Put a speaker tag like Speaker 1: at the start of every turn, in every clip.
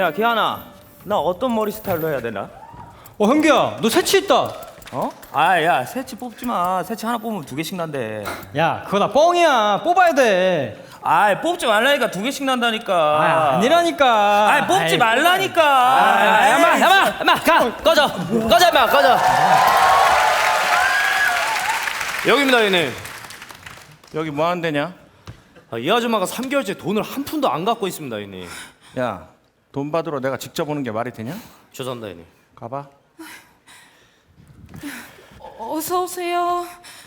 Speaker 1: 야 기아나, 나 어떤 머리 스타일로 해야 되나?
Speaker 2: 현규야, 너 새치 있다.
Speaker 1: 어? 아야 새치 뽑지 마. 새치 하나 뽑으면 2개씩 난대.
Speaker 2: 야, 그거 다 뻥이야. 뽑아야 돼.
Speaker 1: 아 뽑지 말라니까 2개씩 난다니까.
Speaker 2: 아니라니까.
Speaker 1: 아 뽑지 말라니까.
Speaker 3: 야마 가 꺼져 임마 꺼져.
Speaker 4: 여기입니다, 형님.
Speaker 1: 여기 뭐 하는 데냐?
Speaker 4: 이 아줌마가 3개월째 돈을 한 푼도 안 갖고 있습니다, 형님.
Speaker 1: 야, 돈 받으러 내가 직접 오는 게 말이 되냐?
Speaker 4: 죄송합니다, 형님.
Speaker 1: 가봐.
Speaker 5: 어서 오세요.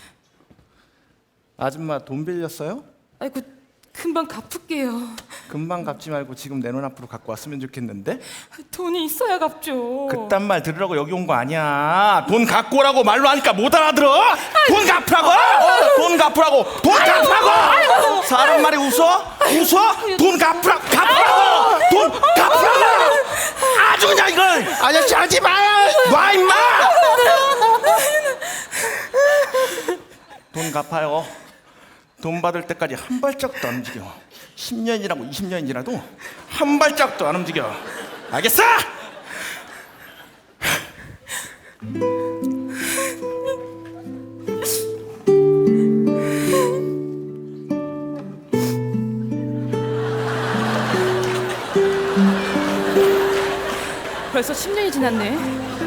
Speaker 1: 아줌마 돈 빌렸어요?
Speaker 5: 아이고 금방 갚을게요.
Speaker 1: 금방 갚지 말고 지금 내 눈앞으로 갖고 왔으면 좋겠는데?
Speaker 5: 돈이 있어야 갚죠.
Speaker 1: 그딴 말 들으라고 여기 온 거 아니야. 돈 갖고 오라고 말로 하니까 못 알아들어? 돈 갚으라고! 돈 갚으라고! 돈 갚으라고! 사람 말이 웃어? 웃어? 돈 갚으라고! 돈 갚으라고! 아주 그냥 이걸! 아저씨 하지 마요! 놔 임마! 돈 갚아요. 돈 받을 때까지 한 발짝도 안 움직여. 10년이라고 20년이라도 한 발짝도 안 움직여. 알겠어?
Speaker 5: 벌써 10년이 지났네.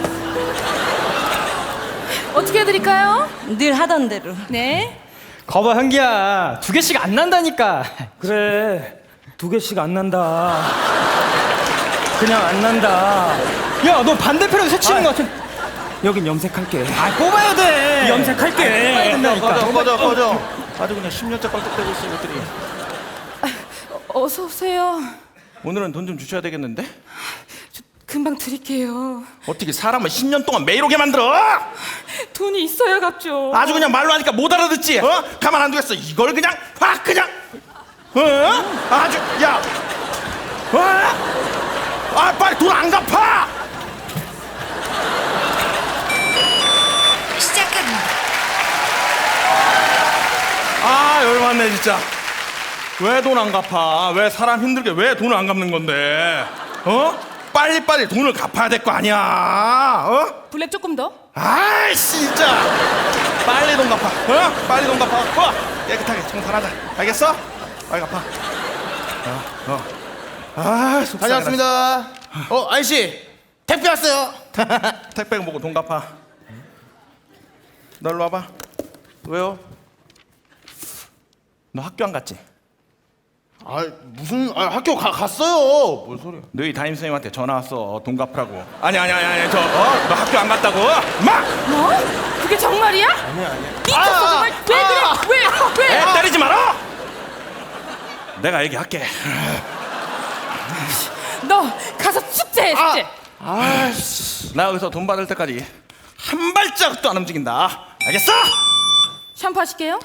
Speaker 5: 어떻게 해드릴까요?
Speaker 6: 늘 하던 대로.
Speaker 5: 네.
Speaker 2: 거봐, 현기야. 2개씩 안 난다니까.
Speaker 1: 그래 2개씩 안 난다. 그냥 안 난다.
Speaker 2: 야, 너 반대편에서 새치는 거 같은.
Speaker 1: 여긴 염색할게.
Speaker 2: 뽑아야 돼.
Speaker 1: 염색할게.
Speaker 2: 꺼져.
Speaker 1: 아주 그냥 10년째 껄떡대고 있어 이것들이.
Speaker 5: 어서 오세요.
Speaker 1: 오늘은 돈 좀 주셔야 되겠는데?
Speaker 5: 저 금방 드릴게요.
Speaker 1: 어떻게 사람을 10년 동안 매일 오게 만들어?
Speaker 5: 돈이 있어야 갚죠.
Speaker 1: 아주 그냥 말로 하니까 못 알아듣지? 어? 가만 안 두겠어. 이걸 그냥 확 그냥 아주 야 아 빨리 돈 안 갚아.
Speaker 6: 시작합니다.
Speaker 1: 아 열받네 진짜. 왜 돈 안 갚아? 왜 사람 힘들게 왜 돈을 안 갚는 건데? 어? 빨리빨리 돈을 갚아야 될 거 아니야. 어?
Speaker 5: 블랙 조금 더.
Speaker 1: 아이 진짜 빨리 돈 갚아. 어? 빨리 돈 갚아. 깨끗하게 청산하자. 알겠어? 빨리 갚아. 아 속상해.
Speaker 7: 다녀왔습니다. 아저씨 택배 왔어요.
Speaker 1: 택배 보고 돈 갚아. 너 일로 와봐. 왜요? 너 학교 안 갔지?
Speaker 7: 무슨 학교 갔어요. 뭔 소리야?
Speaker 1: 너희 담임선생님한테 전화 왔어. 돈 갚으라고. 아니 너 학교 안 갔다고? 마!
Speaker 5: 뭐? 그게 정말이야? 아니야. 미쳤어 정말. 왜 그래? 왜?
Speaker 1: 애 때리지 마라. 내가 얘기할게.
Speaker 5: 너 가서 숙제해 숙제.
Speaker 1: 나 여기서 돈 받을 때까지 한 발짝도 안 움직인다. 알겠어?
Speaker 5: 샴푸 하실게요.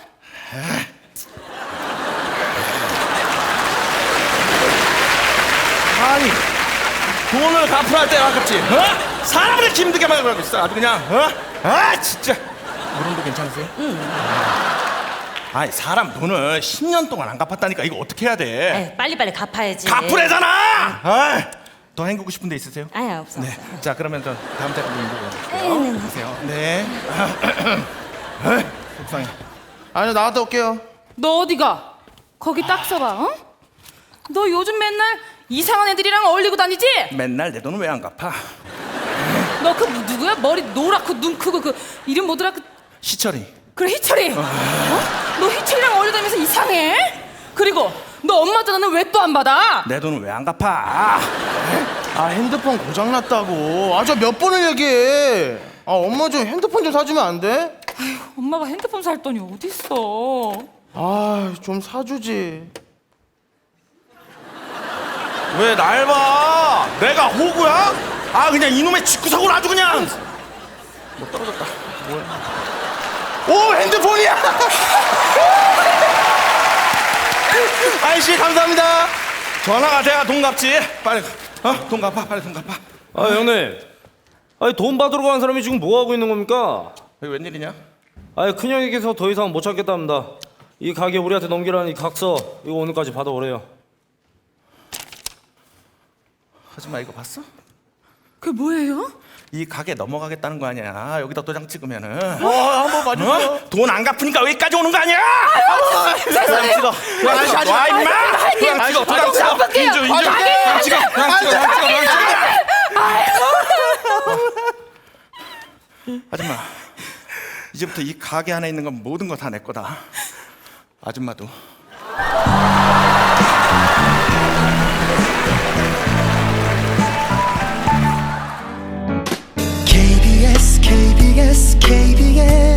Speaker 1: 아니 돈을 갚으라 할 때 아깝지. 어? 사람을 이렇게 힘들게 만들고 있어. 아주 그냥 진짜. 무릎도 괜찮으세요? 아니 사람 돈을 10년 동안 안 갚았다니까. 이거 어떻게 해야 돼?
Speaker 6: 에이, 빨리빨리 갚아야지.
Speaker 1: 갚으래잖아. 더 헹구고 싶은 데 있으세요?
Speaker 6: 아야, 없어.
Speaker 1: 네. 자 그러면 저 다음 달에
Speaker 6: 네,
Speaker 1: 헹구고 보세요. 네. 속상해.
Speaker 7: 아니요, 나갔다 올게요.
Speaker 5: 너 어디가? 거기 딱 서봐. 어? 너 요즘 맨날 이상한 애들이랑 어울리고 다니지?
Speaker 1: 맨날 내 돈은 왜 안 갚아?
Speaker 5: 너 그 누구야? 머리 노랗고 눈 크고 그 이름 뭐더라?
Speaker 1: 시철이.
Speaker 5: 그래 희철이. 어? 너 희철이랑 어울리고 다니면서 이상해? 그리고 너 엄마 전화는 왜 또 안 받아?
Speaker 1: 내 돈은 왜 안 갚아?
Speaker 7: 핸드폰 고장났다고. 저 몇 번을 얘기해. 엄마 좀 핸드폰 좀 사주면 안 돼?
Speaker 5: 엄마가 핸드폰 살 돈이 어딨어?
Speaker 7: 좀 사주지.
Speaker 1: 왜 날 봐? 내가 호구야? 그냥 이놈의 직구석으로 아주 그냥. 뭐 떨어졌다. 뭐야?
Speaker 7: 오, 핸드폰이야. 아저씨 감사합니다.
Speaker 1: 전화가 돼야 돈 갚지. 빨리 돈 갚아. 빨리 돈 갚아.
Speaker 4: 형님. 돈 받으러 간 사람이 지금 뭐 하고 있는 겁니까?
Speaker 1: 여기 웬일이냐?
Speaker 4: 큰형에게서 더 이상 못 참겠답니다. 이 가게 우리한테 넘기라는 이 각서 이거 오늘까지 받아오래요.
Speaker 1: 아줌마 이거 봤어?
Speaker 5: 그게 뭐예요?
Speaker 1: 이 가게 넘어가겠다는 거 아니야. 여기다 도장 찍으면은
Speaker 7: 한번 봐주세요.
Speaker 1: 돈 안 갚으니까 여기까지 오는 거 아니야?
Speaker 7: 도장 찍어.
Speaker 1: 와 임마! 도장 찍어 도장 찍어.
Speaker 5: 갚을게요.
Speaker 1: 인주 도장 찍어 도장 찍어 도장 찍어. 아줌마 이제부터 이 가게 안에 있는 건 모든 거 다 내 거다. 아줌마도.
Speaker 8: KBS KBS KBS